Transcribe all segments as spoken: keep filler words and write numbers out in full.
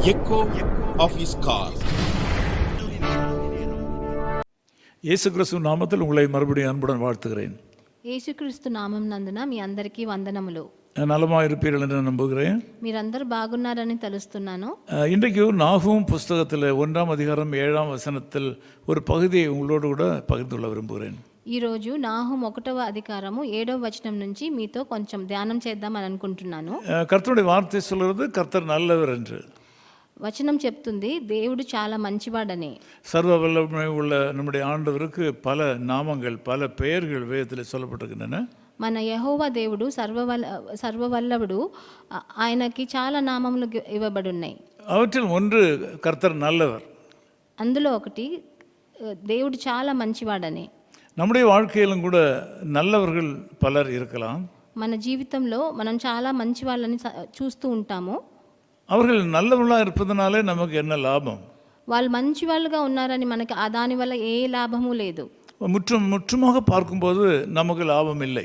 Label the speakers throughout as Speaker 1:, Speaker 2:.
Speaker 1: echo of his call.
Speaker 2: இயேசு கிறிஸ்து நாமத்தில் உங்களை மறுபடியும் அன்புடன் வாழ்த்துகிறேன்.
Speaker 3: యేసుక్రీస్తు నామం నందున మీ అందరికీ వందనములు.
Speaker 2: நலமாக இருப்பீர்கள் என்று நம்புகிறேன்.
Speaker 3: మీరందరూ బాగున్నారని తెలుస్తున్నాను.
Speaker 2: இன்றைக்கு நாகூம் புஸ்தகத்தில் ஒன்றாம் அதிகாரம் ஏழாம் வசனத்தில் ஒரு பகுதியை உங்களோடு கூட பகிர்ந்து கொள்ள விரும்புகிறேன்.
Speaker 3: ఈరోజు నాహూం ఒకటవ అధికారము ఏడవ వచనం నుంచి మీతో కొంచెం ధ్యానం చేద్దామని అనుకుంటున్నాను.
Speaker 2: கர்த்தருடைய வார்த்தை சொல்கிறது கர்த்தர் நல்லவர் என்று.
Speaker 3: వచనం చెప్తుంది దేవుడు చాలా మంచివాడని.
Speaker 2: சர்வ வல்லமை உள்ள நம்முடைய ஆண்டவருக்கு பல நாமங்கள் பல பெயர்கள் வேதத்தில் சொல்லப்பட்டிருக்கின்றன.
Speaker 3: మన యెహోవా దేవుడు సర్వవల్ల సర్వవల్లభుడు, ఆయనకి చాలా నామములు ఇవ్వబడి ఉన్నాయి.
Speaker 2: அவற்றில் ஒன்று கர்த்தர் நல்லவர்.
Speaker 3: అందులో ఒకటి దేవుడు చాలా మంచివాడని.
Speaker 2: நம்முடைய வாழ்க்கையிலும் கூட நல்லவர்கள் பலர் இருக்கலாம்.
Speaker 3: మన జీవితంలో మనం చాలా మంచి వాళ్ళని చూస్తూ ఉంటాము.
Speaker 2: அவர்கள் நல்லவர்களாக இருப்பதனாலே நமக்கு என்ன லாபம்?
Speaker 3: వాళ్ళు మంచి వాళ్ళుగా ఉన్నారని మనకి దానివల్ల ఏ లాభము లేదు.
Speaker 2: முற்றும் முற்றுமாக பார்க்கும்போது நமக்கு லாபம் இல்லை.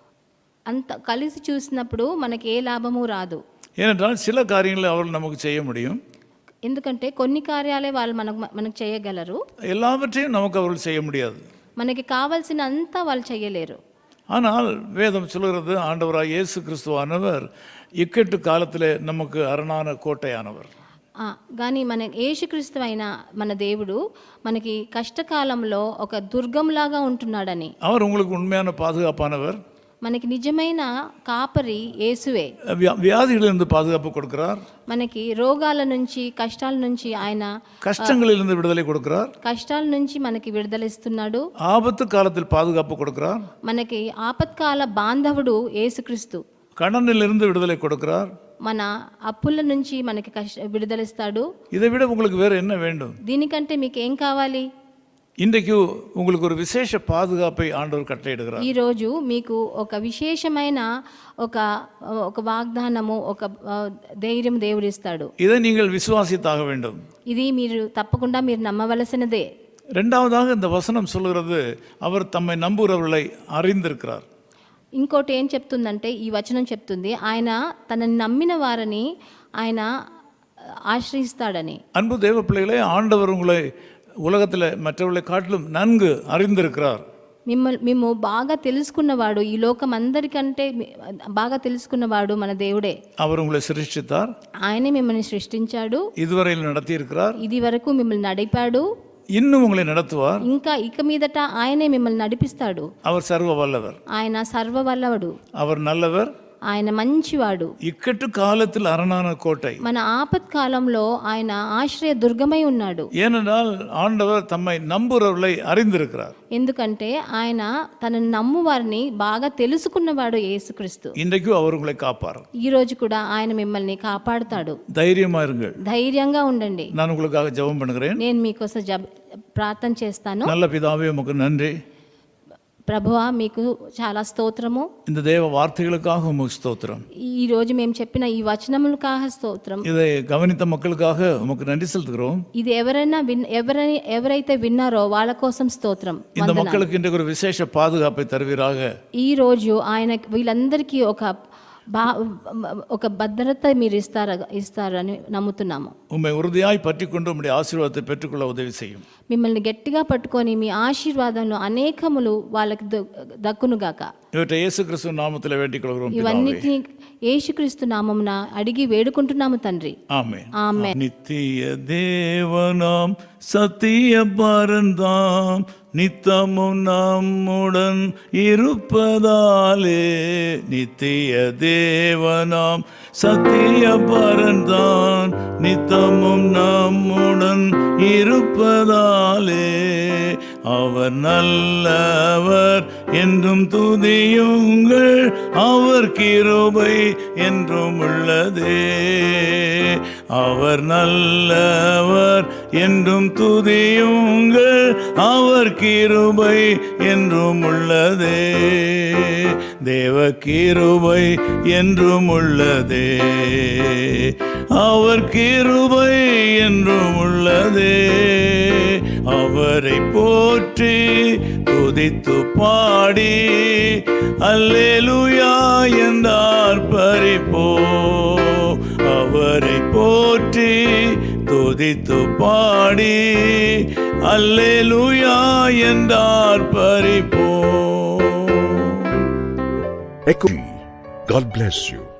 Speaker 3: అంత కలిసి చూసినప్పుడు మనకి ఏ లాభము రాదు.
Speaker 2: ஏனென்றால் சில காரியங்களை அவர்கள் நமக்கு செய்ய முடியும்.
Speaker 3: ఎందుకంటే కొన్ని కార్యాలే వాళ్ళు మనకు మనకు చేయగలరు.
Speaker 2: எல்லாவற்றையும் நமக்கு அவர்கள் செய்ய முடியாது.
Speaker 3: మనకి కావాల్సిన అంతా వాళ్ళు చేయలేరు.
Speaker 2: ஆனால் வேதம் சொல்கிறது ஆண்டவராக இயேசு கிறிஸ்துவானவர் இக்கட்டு காலத்தில் நமக்கு அரணான கோட்டையானவர்.
Speaker 3: కానీ మన యేసుక్రీస్తు అయిన మన దేవుడు మనకి కష్టకాలంలో ఒక దుర్గంలాగా ఉంటున్నాడని.
Speaker 2: அவர் உங்களுக்கு உண்மையான பாதுகாப்பானவர்.
Speaker 3: మనకి నిజమైన కాపరి యేసువే.
Speaker 2: వ్యాధిகளிலிருந்து பாதுகாப்பு கொடுக்கிறார்.
Speaker 3: మనకి రోగాల నుంచి కష్టాల నుంచి ఆయన
Speaker 2: கஷ்டங்களிலிருந்து விடுதலை கொடுக்கிறார்.
Speaker 3: కష్టాల నుంచి మనకి విడుదల ఇస్తున్నాడు.
Speaker 2: ஆபத்து காலத்தில் பாதுகாப்பு கொடுக்கிறார்.
Speaker 3: మనకి ఆపత్కాల బాంధవుడు యేసుక్రీస్తు.
Speaker 2: கடனிலிருந்து விடுதலை கொடுக்கிறார்.
Speaker 3: మన అప్పుల నుంచి మనకి కష్ట విడుదలిస్తాడు.
Speaker 2: இதை விட உங்களுக்கு வேற என்ன வேண்டும்?
Speaker 3: దీనికంటే మీకు ఏం కావాలి?
Speaker 2: இன்றைக்கு உங்களுக்கு ஒரு விசேஷ பாதுகாப்பை ஆண்டவர் கட்டளையிடுகிறார்.
Speaker 3: ఈ రోజు మీకు ఒక విశేషమైన ఒక ఒక వాగ్దానము, ఒక ధైర్యం దేవుడు ఇస్తాడు.
Speaker 2: இதை நீங்கள் விசுவாசித்தாக வேண்டும்.
Speaker 3: ఇది మీరు తప్పకుండా మీరు నమ్మవలసినదే.
Speaker 2: இரண்டாவதாக இந்த வசனம் சொல்கிறது அவர் தம்மை நம்புகிறவர்களை அறிந்திருக்கிறார்.
Speaker 3: ఇంకోటి ఏం చెప్తుందంటే ఈ వచనం చెప్తుంది ఆయన తనని నమ్మిన వారిని ఆయన ఆశ్రయిస్తాడని.
Speaker 2: அன்பு தேவ பிள்ளைகளே, ஆண்டவர் உங்களை உலகத்தில் மற்றவர்களை காட்டிலும் நன்கு அறிந்திருக்கிறார்.
Speaker 3: మిమ్మల్ని మేము బాగా తెలుసుకున్నవాడు, ఈ లోకం అందరికంటే బాగా తెలుసుకున్నవాడు మన దేవుడే.
Speaker 2: அவர் உங்களை சிருஷ்டித்தார்.
Speaker 3: ఆయనే మిమ్మల్ని సృష్టించాడు.
Speaker 2: இதுவரையில் நடத்தி இருக்கிறார்.
Speaker 3: ఇది వరకు మిమ్మల్ని నడిపాడు.
Speaker 2: இன்னும் உங்களை நடத்துவார்.
Speaker 3: ఇంకా ఇక మీదట ఆయనే మిమ్మల్ని నడిపిస్తాడు.
Speaker 2: அவர் సర్వ వల్లவர்.
Speaker 3: ఆయన సర్వవల్లభుడు.
Speaker 2: அவர் நல்லவர்.
Speaker 3: ఆయన మంచివాడు.
Speaker 2: இக்கட்டு காலத்தில் அரணான கோட்டை.
Speaker 3: మన ఆపత్ కాలంలో ఆయన ఆశ్రయ దుర్గమై ఉన్నాడు.
Speaker 2: ஏனென்றால் ஆண்டவர் தம்மை நம்புகிறவர்களை அறிந்திருக்கிறார்.
Speaker 3: ఎందుకంటే ఆయన తనను నమ్ము వారిని బాగా తెలుసుకున్నవాడు యేసుక్రీస్తు.
Speaker 2: இன்றைக்கு அவர் உங்களை காப்பார்.
Speaker 3: ఈ రోజు కూడా ఆయన మిమ్మల్ని కాపాడుతాడు.
Speaker 2: தைரியமா இருங்கள்.
Speaker 3: ధైర్యంగా ఉండండి.
Speaker 2: நான் உங்களுக்காக ஜெபம் பண்ணுகிறேன்.
Speaker 3: నేను మీకోసం ప్రార్థన చేస్తాను.
Speaker 2: நல்ல பிதாவே, உமக்கு நன்றி.
Speaker 3: ప్రభువా, మీకు చాలా స్తోత్రము.
Speaker 2: இந்த தேவ வார்த்தைகளுக்காக உமக்கு ஸ்தோத்திரம்.
Speaker 3: ఈ రోజు మేము చెప్పిన ఈ వచనములకాக స్తోత్రం.
Speaker 2: இதை கவனித்த மக்களுக்காக உமக்கு நன்றி செலுத்துகிறோம்.
Speaker 3: ఇది ఎవరైనా ఎవరై ఎవరైతే విన్నారో వాళ్ళ కోసం స్తోత్రం.
Speaker 2: இந்த மக்களுக்கு இன்றைக்கு ஒரு விசேஷ பாதுகாப்பை தருவீராக.
Speaker 3: ఈ రోజు ఆయన వీళ్ళందరికీ ఒక బా ఒక భద్రత మీరు ఇస్తారు ఇస్తారని నమ్ముతున్నాము.
Speaker 2: உம்மை உறுதியாய் பற்றிக்கொண்டு உம்முடைய ஆசீர்வாதத்தை பெற்றுக்கொள்ள உதவி செய்யும்.
Speaker 3: మిమ్మల్ని గట్టిగా పట్టుకొని మీ ఆశీర్వాదంలో అనేకములు వాళ్ళకి దక్కునుగాక.
Speaker 2: இவற்றை இயேசு கிறிஸ்து நாமத்தில் வேண்டிக் கொள்கிறோம்.
Speaker 3: ఇవన్నిటిని యేసుక్రీస్తు నామమున అడిగి వేడుకుంటున్నాము తండ్రి.
Speaker 2: ஆமென்.
Speaker 3: ఆమేన్.
Speaker 2: நித்திய தேவனாம் சத்திய பரந்தாம் நித்தமும் நம்முடன் இருப்பதாலே, நித்திய தேவனாம் சத்திய பரந்தான் நித்தமும் நம்முடன் இருப்பதாலே, அவர் நல்லவர் என்றும் துதியுங்கள், அவர் கிருபை என்றும் உள்ளதே. அவர் நல்லவர் என்றும் துதியுங்கள், அவர் கிருபை என்றும் உள்ளதே. தேவ கிருபை என்றும் உள்ளதே. அவர் கிருபை என்றும் உள்ளதே. அவரை போற்றி துதித்து பாடி அல்லேலூயா என்றார் பரிப்போ. அவரை போற்றி துதித்து பாடி அல்லேலூயா என்றார் பரிப்போ.
Speaker 4: Echo. God bless you.